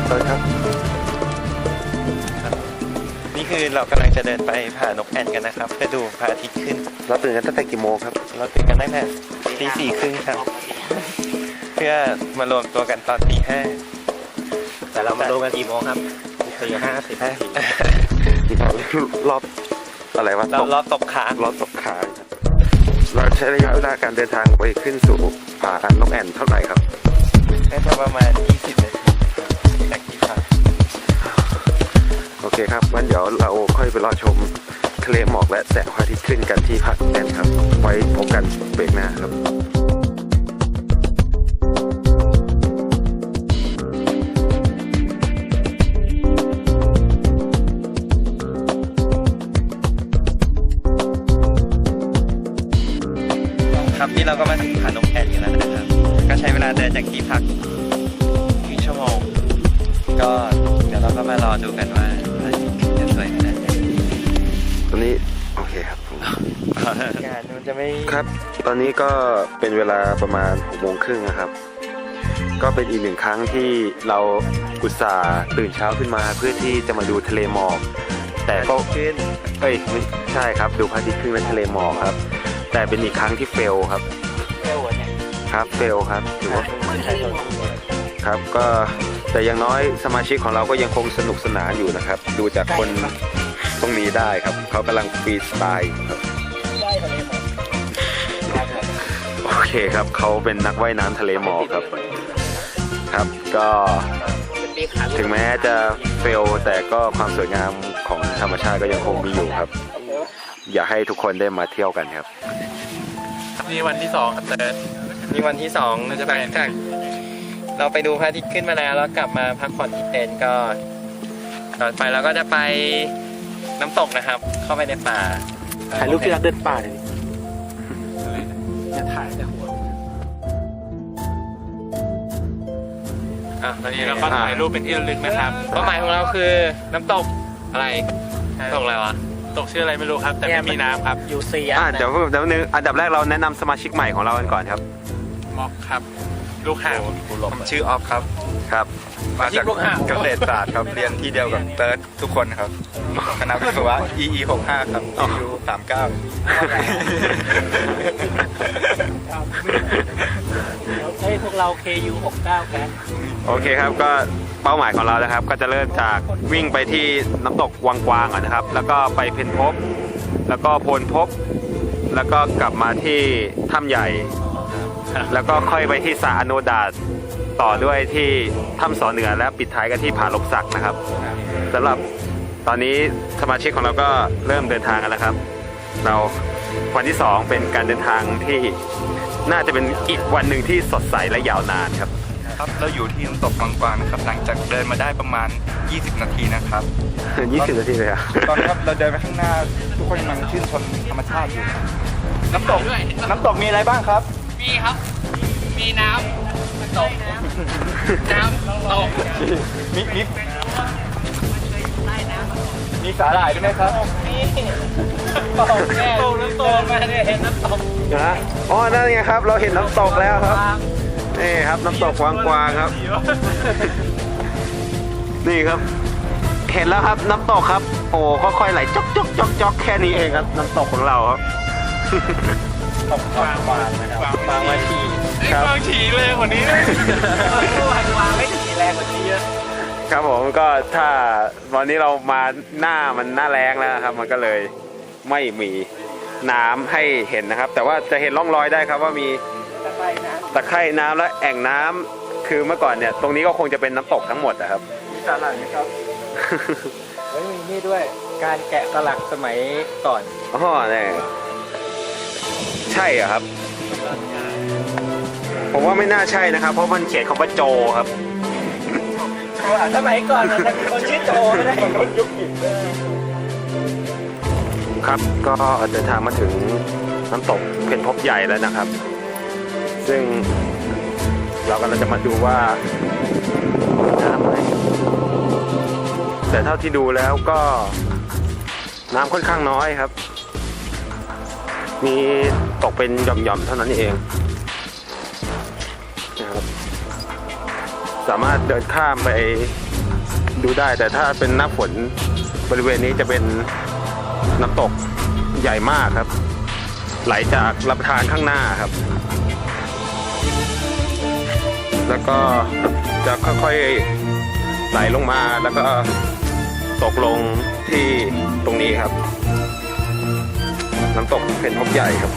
ต้นครับนี่คือเรากำลังจะเดินไปผานกแอ่นกันนะครับเพื่อดูพระอาทิตย์ขึ้นเราตื่นกันตั้งแต่กี่โมงครับเราตื่นกันตั้งแต่ตี 4:30ครับเพื่อมารวมตัวกันตอนตี 5 แต่เรามาดูกันกี่โมงครับ4:50 รอบอะไรวะรอบตกค้างรอบตกค้างเราใช้ระยะเวลาการเดินทางไปขึ้นสู่ผานกแอ่นเท่าไหร่ครับน่าจะประมาณ20 นาทีจากที่พักโอเคครับงั้นเดี๋ยวเราค่อยไปรอชมทะเลหมอกและแสงพระอาทิตย์ขึ้นกันที่ผาแอ่นครับไว้พบกันเบรกหน้าครับครับที่เราก็มาถึงผานกแอ่นกันแล้วนะครับก็ใช้เวลาเดินจากที่พัก1 ชั่วโมงก็เดี๋ยวเราก็มารอดูกันว่าพระอาทิตย์จะสวยขนาดไหนตอนนี้โอเคครับการมันจะไม่ครับตอนนี้ก็เป็นเวลาประมาณ6:30นะครับก็เป็นอีก1 ครั้งที่เราอุตส่าห์ตื่นเช้าขึ้นมาเพื่อที่จะมาดูทะเลหมอกแต่ก็ขึ้นไม่ใช่ครับดูพระอาทิตย์ขึ้นและทะเลหมอกครับแต่เป็นอีกครั้งที่เฟลครับครับเฟลครับถือว่าครับก็แต่อย่างน้อยสมาชิกของเราก็ยังคงสนุกสนานอยู่นะครับดูจากคนตรงนี้ได้ครับเขากำลังฟรีสไตล์ครับโอเคครับเขาเป็นนักว่ายน้ำทะเลหมอกครับครับก็ถึงแม้จะเฟลแต่ก็ความสวยงามของธรรมชาติก็ยังคงมีอยู่ครับอยากให้ทุกคนได้มาเที่ยวกันครับนี่วันที่2ครับเติร์ดนี่วันที่2เราจะไปจากเราไปดูพระอาทิตย์ขึ้นมาแล้วกลับมาพักผ่อนที่เต็นท์ก็ต่อไปเราก็จะไปน้ำตกนะครับเข้าไปในป่าถ่ายรูปที่เราเดินป่าเลยจะถ่ายแต่หัวตอนนี้เราก็ถ่ายรูปเป็นที่ระลึกนะครับเป้าหมายของเราคือน้ำตกอะไรตกอะไรวะตกชื่ออะไรไม่รู้ครับแต่ไม่มีน้ำครับยูซีเดี๋ยวนึงอันดับแรกเราแนะนำสมาชิกใหม่ของเรากันก่อนครับม็อกครับลูกหาผมชื่อออฟครับครับมาจากเกษตรศาสตร์ครับเรียนที่เดียวกับเติร์ดทุกคนครับคณะวิศวะ EE 65ครับ EU 39 ให้พวกเรา KU 69กันโอเคครับก็เป้าหมายของเรานะครับก็จะเริ่มจากวิ่งไปที่น้ำตกวังกวางก่อนนะครับแล้วก็ไปเพนพบแล้วก็โพนพบแล้วก็กลับมาที่ถ้ำใหญ่แล้วก็ค่อยไปที่สระอโนดาตต่อด้วยที่ถ้ำสอเหนือและปิดท้ายกันที่ผาลมศักดิ์นะครับสำหรับตอนนี้สมาชิกของเราก็เริ่มเดินทางกันแล้วครับเราวันที่2เป็นการเดินทางที่น่าจะเป็นอีกวันหนึ่งที่สดใสและยาวนานครับเราอยู่ที่น้ำตกวังกวางนะครับหลังจากเดินมาได้ประมาณ20 นาทีนะครับ 20 นาทีเลยอะตอนนี้เราเดินไปข้างหน้าทุกคนกำลังชื่นชมธรรมชาติอยู่น้ำตกมีอะไรบ้างครับมีครับมีน้ำตกน้ำตกมีสาหร่ายด้วยไหมครับตกแน่น้ำตกมาเนี่ยเห็นน้ำตกนะอ๋อนั่นไงครับเราเห็นน้ำตกแล้วครับนี่ครับน้ำตกวังกวางครับนี่ครับเห็นแล้วครับน้ำตกครับโอ้ค่อยๆไหลจ๊อกจ๊อกจ๊อกจ๊อกแค่นี้เองครับน้ำตกของเราครับตกวางนะครับวางมาทีครับวางฉีแรงกว่านี้วางไม่ฉีแรงกว่านี้เยอะครับผมก็ถ้าวันนี้เรามาหน้าแรงแล้วครับมันก็เลยไม่มีน้ำให้เห็นนะครับแต่ว่าจะเห็นร่องรอยได้ครับว่ามีตะไคร่น้ำและแอ่งน้ำคือเมื่อก่อนเนี่ยตรงนี้ก็คงจะเป็นน้ำตกทั้งหมดนะครับมีสาหร่ายไหมครับมีนี่ด้วยการแกะสลักสมัยก่อนอ๋อเนี่ยใช่เหรอครับผมว่าไม่น่าใช่นะครับเพราะมันเขียนคำว่าโจครับสมัยก่อนมันมีคนชื่อโจไม่ได้ยุคหินครับก็เดินทางมาถึงน้ำตกเพนพบใหญ่แล้วนะครับซึ่งเรากำลังจะมาดูว่าน้ำไหมแต่เท่าที่ดูแล้วก็น้ำค่อนข้างน้อยครับมีตกเป็นหย่อมๆเท่านั้นเองนะครับสามารถเดินข้ามไปดูได้ แต่ถ้าเป็นหน้าฝนบริเวณนี้จะเป็นน้ำตกใหญ่มากครับ ไหลจากลำธารข้างหน้าครับ แล้วก็จะค่อยๆไหลลงมาแล้วก็ตกลงที่ตรงนี้ครับ น้ำตกเป็นพบใหญ่ครับ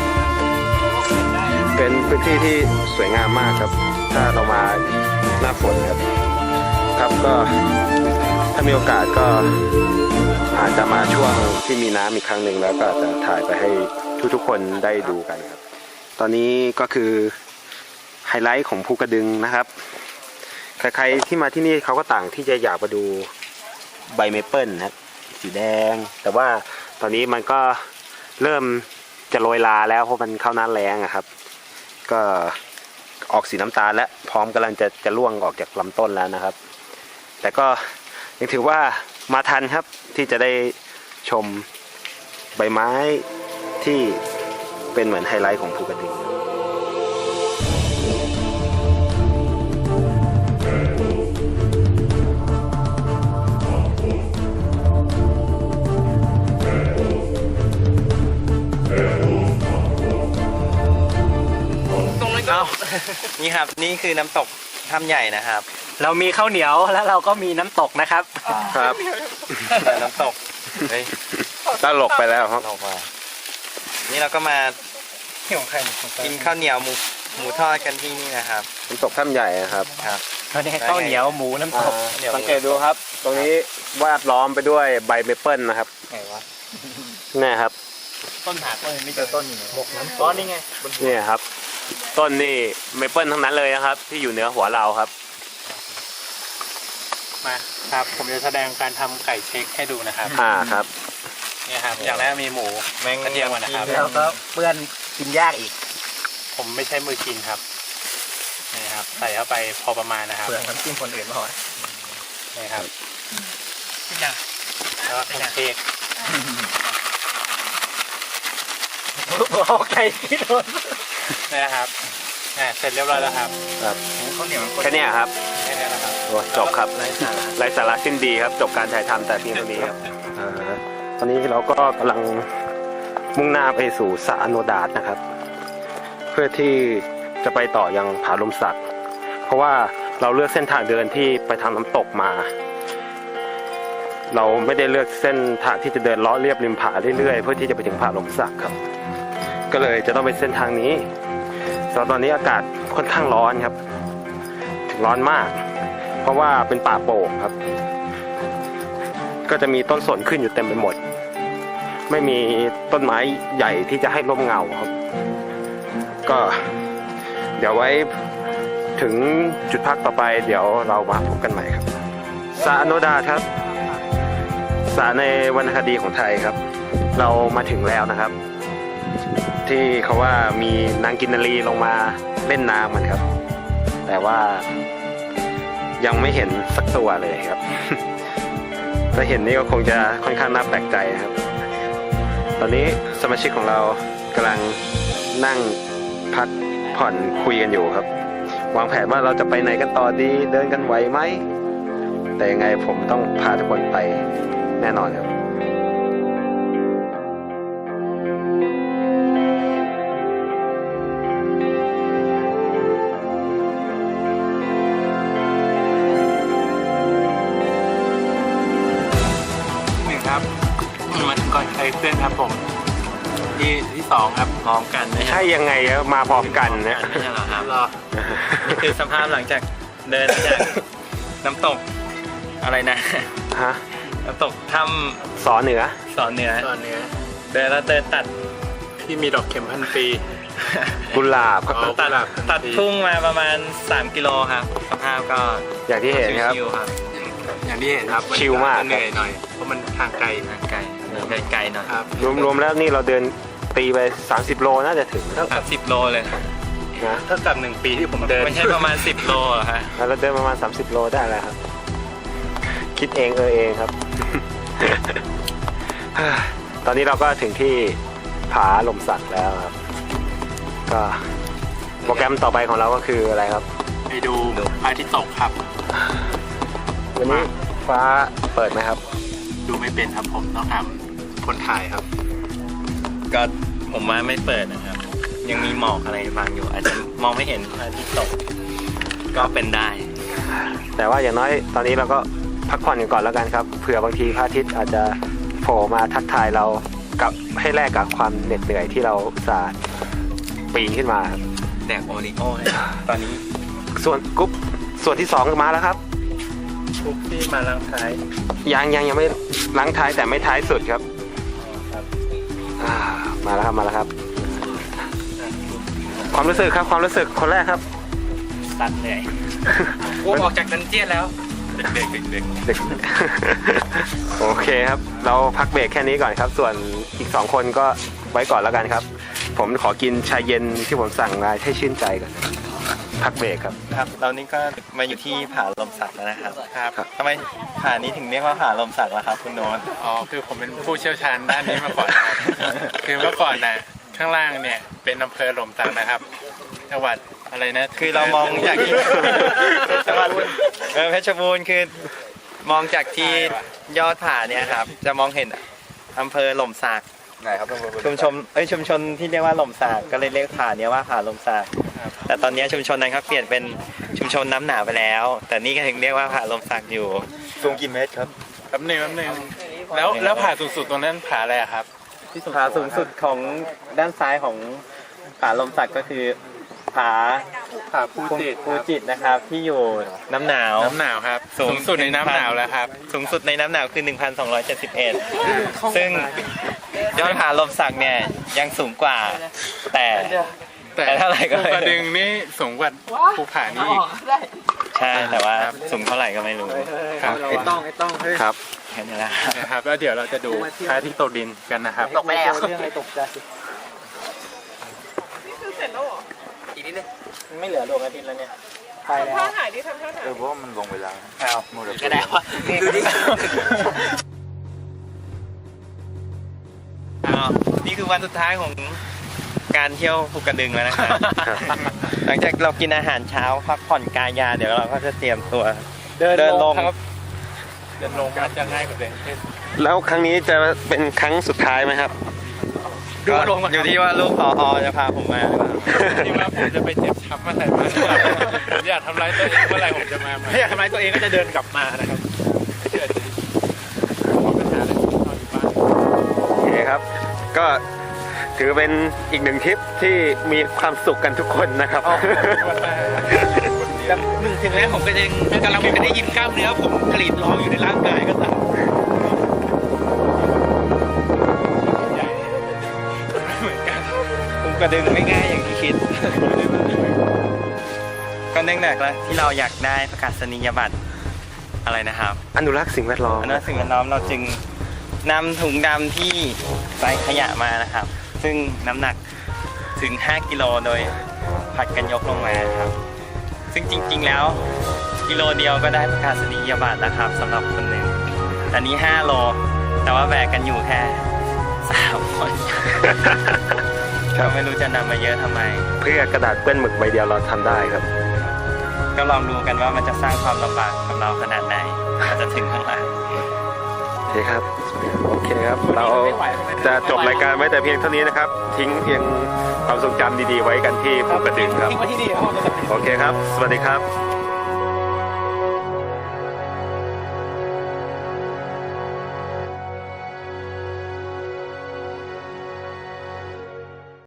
เป็นพื้นที่ที่สวยงามมากครับ ถ้าเรามาหน้าฝนครับครับก็ถ้ามีโอกาสก็อาจจะมาช่วงที่มีน้ำอีกครั้งหนึ่งแล้วก็จะถ่ายไปให้ทุกๆคนได้ดูกันครับตอนนี้ก็คือไฮไลท์ของภูกระดึงนะครับใครๆที่มาที่นี่เขาก็ต่างที่จะอยากมาดูใบเมเปิลนะครับสีแดงแต่ว่าตอนนี้มันก็เริ่มจะโรยลาแล้วเพราะมันเข้าหน้าแล้งอะครับก็ออกสีน้ำตาลและพร้อมกำลังจะร่วงออกจากลำต้นแล้วนะครับแต่ก็ยังถือว่ามาทันครับที่จะได้ชมใบไม้ที่เป็นเหมือนไฮไลท์ของภูกระดึงนี่ครับนี่คือน้ำตกถ้ำใหญ่นะครับเรามีข้าวเหนียวแล้วเราก็มีน้ำตกนะครับครับน้ำตกเฮ้ยตลกไปแล้วครับออกมานี่เราก็มากินข้าวเหนียวหมูทอดกันที่นี่นะครับน้ำตกถ้ำใหญ่นะครับครับเขาเนี่ยข้าวเหนียวหมูน้ำตกสังเกตดูครับ ตรงนี้วาดล้อมไปด้วยใบเมเปิลนะครับไงวะนี่ครับต้นหาต้นไม่เจอต้นอยู่บกน้ำตกนี่ไงนี่ครับต้นนี่เมเปิลทั้งนั้นเลยนะครับ ที่อยู่เหนือหัวเราครับมาครับผมจะแสดงการทำไก่เช็คให้ดูนะครับครับเนี่ยครับอย่างแรกมีหมูกระเทียมก่อนนะครับแล้วก็เปื้อนกินยากอีกผมไม่ใช้มือกินครับนี่ครับใส่เข้าไปพอประมาณนะครับเปลือกน้ำจิ้มคนอื่นมาหอยนี่ครับแล้วก็เค้กโอเคที่โดนนี่นะครับเสร็จเรียบร้อยแล้วครับครับข้าวเหนียวแค่นี้ครับแค่นี้นะครับโอ้จบครับไร้สาระไร้สาระสิ้นดีครับ จบการถ่ายทำแต่เพียงเท่านี้ครับตอนนี้เราก็กำลังมุ่งหน้าไปสู่สระอโนดาตนะครับ เพื่อที่จะไปต่อยังผาลมสักเพราะว่าเราเลือกเส้นทางเดินที่ไปทางน้ำตกมา เราไม่ได้เลือกเส้นทางที่จะเดินเลาะเรียบริมผาเรื่อยๆเพื่อที่จะไปถึงผาลมสักครับก็เลยจะต้องเป็นเส้นทางนี้ตอนนี้อากาศค่อนข้างร้อนครับร้อนมาก เพราะว่าเป็นป่าโป่งครับก็จะมีต้นสนขึ้นอยู่เต็มไปหมดไม่มีต้นไม้ใหญ่ที่จะให้ร่มเงาครับก็เดี๋ยวไว้ถึงจุดพักต่อไปเดี๋ยวเรามาพบกันใหม่ครับสระอโนดาตครับสระในวรรณคดีของไทยครับเรามาถึงแล้วนะครับที่เขาว่ามีนางกินนารีลงมาเล่นน้ำมันครับแต่ว่ายังไม่เห็นสักตัวเลยครับ ถ้าเห็นนี่ก็คงจะค่อนข้างน่าแปลกใจนะครับตอนนี้สมาชิกของเรากำลังนั่งพักผ่อนคุยกันอยู่ครับวางแผนว่าเราจะไปไหนกันต่อดีเดินกันไหวไหมแต่ยังไงผมต้องพาทุกคนไปแน่นอนครับมาถึงก่อนใครเพื่อนครับผมที่สองครับพร้อมกันนะใช่ยังไงครับมาพร้อมกันเนี่ยไม่ใช่หรอครับนี่คือสภาพหลังจากเดินจากน้ำตกอะไรนะฮะน้ำตกถ้สอเหนือำสอนเหนือตอนนี้เดินแล้วเดินตัดที่มีดอกเข็มพันปีกุหลาบครับตัดทุ่งมาประมาณ3 กิโลครับสภาพก็อย่างที่เห็นครับชิวๆครับอย่างที่เห็นครับชิลมากเหนื่อยหน่อยเพราะมันทางไกลทางไกลไกลๆหน่อยครับรวมๆแล้วนี่เราเดินตีไป30 โลน่าจะถึงนะครับ10 โลเลยเท่ากับ1 ปีที่ผมเดินไม่ใช่ประมาณ10 โลเหรอฮะเราเดินประมาณ30 โลได้แล้วครับคิดเองเองครับ ตอนนี้เราก็ถึงที่ผาลมสักแล้วครับก็โปรแกรมต่อไปของเราก็คืออะไรครับปไปดูพระอาทิตย์ตกครับวันนี้ฟ้าเปิดไหมครับดูไม่เป็นครับผมต้องทำคนถ่ายครับก็ผมว่าไม่เปิดนะครับ ยังมีหมอกอะไรบางอยู่ อาจจะมองไม่เห็นพระอาทิตย์ตก ก็เป็นได้แต่ว่าอย่างน้อยตอนนี้เราก็พักผ่อนกันก่อนแล้วกันครับเผื่อบางทีพระอาทิตย์อาจจะโผล่มาทักทายเรากับให้แลกกับความเหน็ดเหนื่อยที่เราอุตส่าห์ปีนขึ้นมาครับแดกโอริโอ้เลยตอนนี้ส่วนกรุ๊ปส่วนที่2มาแล้วครับทุกที่มาลังท้ายยังไม่ล้างท้ายแต่ไม่ท้ายสุดครับครับมาแล้วครับ ความรู้สึกคนแรกครับตัดเลยกูออกจากดันเจียนแล้วเด็กเด็ก โอเคครับ เราพักเบรกแค่นี้ก่อนครับ ส่วนอีก2คนก็ไว้ก่อนแล้วกันครับ ผมขอกินชาเย็นที่ผมสั่งมาให้ชื่นใจก่อนพักเบรกครับครับเรานี่ก็มาอยู่ที่ผาลมสักแล้วนะครับครับทำไมผานี้ถึงเรียกว่าผาลมสักล่ะครับคุณโน้ตอ๋อคือผมเป็นผู้เชี่ยวชาญด้านนี้มาก่อนนะครับ คือเมื่อก่อนน่ะข้างล่างเนี่ยเป็นอำเภอหล่มสักนะครับจังหวัดอะไรนะคือเรามองจากที่ จังหวัดเพชรบูรณ์คือมองจากที่ยอดผาเนี่ยครับจะมองเห็นอำเภอหล่มสักไหนครับต้องชุมชนที่เรียกว่าหล่มสักก็เลยเรียกผาเนี้ยว่าผาหล่มสักแต่ตอนนี้ชุมชนนั้นเขาเปลี่ยนเป็นชุมชนน้ำหนาวไปแล้ว แต่นี่ก็ถึงเรียกว่าผาหล่มสักอยู่สูงกี่เมตรครับแป๊บหนึงแล้วผาสูงสุดตรงนั้นผาอะไรอะครับผาสูงสุดของด้านซ้ายของผาลมสักก็คือผาผาภูจิตรภูจิตรนะครับ ที่อยู่น้ำหนาวน้ำหนาวครับสูงสุดในน้ำหนาวแล้วครับสูงสุดในน้ำหนาวคือ 1,271 ซึ่งยอดผาลมสักเนี่ยยังสูงกว่า แต่เท่าไหร่ก็ภูไม่กระดึรู้งนี่สูงกว่าภูผานี้อีกใช่แต่ว่าสูงเท่าไหร่ก็ไม่รู้ครับครับแค่นี้แหละนะครับแล้วเดี๋ยวเราจะดูพระอาทิตย์ตกดินกันนะครับตกไปแล้วไม่เหลือดวงอาทิตย์แล้วเนี่ยไปแล้วท่าถ่ายดิทำท่าถ่ายเพราะว่ามันลงเวลาอ้าวหมดแล้วก็ได้วะดูดินี่คือวันสุดท้ายของการเที่ยวภูกระดึงแล้วนะครับ หลังจากเรากินอาหารเช้าพักผ่อนกายยาเดี๋ยวเราก็จะเตรียมตัวเดินลงครับเดินลงมันจะง่ายกว่าเดินขึ้นแล้วครั้งนี้จะเป็นครั้งสุดท้ายไหมครับก็อยู่ที่ว่าลูกพอจะพาผมมาหรือเปล่าที่ว่าผมจะไปเจ็บช้ำเมื่อไหร่มาผมอยากทำร้ายตัวเองเมื่อไหร่ผมจะมาใหม่ถ้าอยากทำร้ายตัวเองก็จะเดินกลับมานะครับเชื่อดิขอปัญหาเลยนอนอยู่บ้านโอเคครับ ก็ถือเป็นอีกหนึ่งทริปที่มีความสุขกันทุกคนนะครับถึงแม้ผมก็ยังกำลังไม่ได้ยินกล้ามเนื้อผมกรีดร้องอยู่ในร่างกายก็ตามผมกระดึงไม่ง่ายอย่างที่คิด ก็เนื่องจากที่เราอยากได้ประกาศนียบัตรอะไรนะครับอนุรักษ์สิ่งแวดล้อมอนุรักษ์สิ่งแวดล้อมเราจึงนำถุงดำที่ใส่ขยะมานะครับ ซึ่งน้ำหนักถึง 5 กิโลโดยผัดกันยกลงมาครับ ซึ่งจริงๆแล้วกิโลเดียวก็ได้ประกาศนียบัตรนะครับสำหรับคนหนึ่งอันนี้ 5 โล แต่ว่าแบกกันอยู่แค่ 3 คนก็ไม่รู้จะนำมาเยอะทำไมเพื่อกระดาษเปื้อนหมึกใบเดียวเราทำได้ครับก็ลองดูกันว่ามันจะสร้างความลำบากกับเราขนาดไหนเราจะถึงข้างหลังโอเคครับ โอเคครับ เราจะจบรายการไว้แต่เพียงเท่านี้นะครับ ทิ้งเพียงความทรงจำดีๆไว้กันที่ภูกระดึงครับ โอเคครับ สวัสดีครับ